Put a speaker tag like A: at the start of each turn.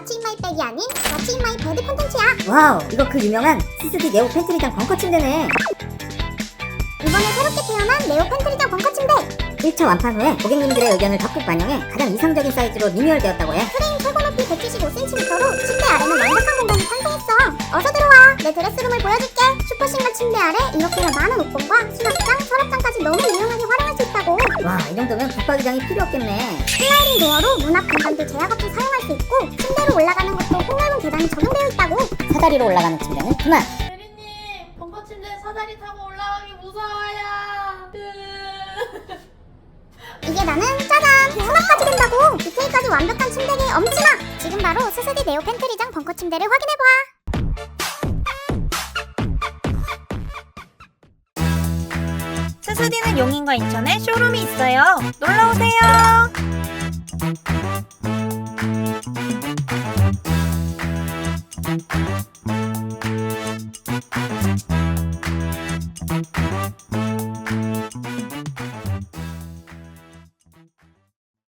A: 왓츠 인 마이 백이 아닌 왓츠 인 마이 베드 콘텐츠야.
B: 와우, 이거 그 유명한 스스디 네오 팬트리장 벙커 침대네.
A: 이번에 새롭게 태어난 네오 팬트리장 벙커 침대.
B: 1차 완판 후에 고객님들의 의견을 적극 반영해 가장 이상적인 사이즈로 리뉴얼되었다고 해.
A: 프레임 최고 높이 175cm로 침대 아래는 완벽한 공간이 탄생했어. 어서 들어와. 내 드레스룸을 보여줄게. 슈퍼싱글 침대 아래 이렇게나 많은 옷걸과 수납장, 서랍장까지 너무 유용하게 활용할 수 있다고.
B: 와, 이 정도면 붙박이장이 필요 없겠네.
A: 슬라이딩 도어로 문 앞 공간도 제약 없이 사용할 수 있고 침대로 올라가는 것도 폭넓은 계단이 적용되어 있다고.
B: 사다리로 올라가는 침대는 그만.
C: 대리님, 벙커 침대 사다리 타고 올라가기 무서워요.
A: 이게 나는 짜잔! 수납까지 된다고! 디테일까지 완벽한 침대계의 엄친아! 지금 바로 스스디 네오 팬트리장 벙커 침대를 확인해봐!
D: 스스디는 용인과 인천에 쇼룸이 있어요. 놀러오세요.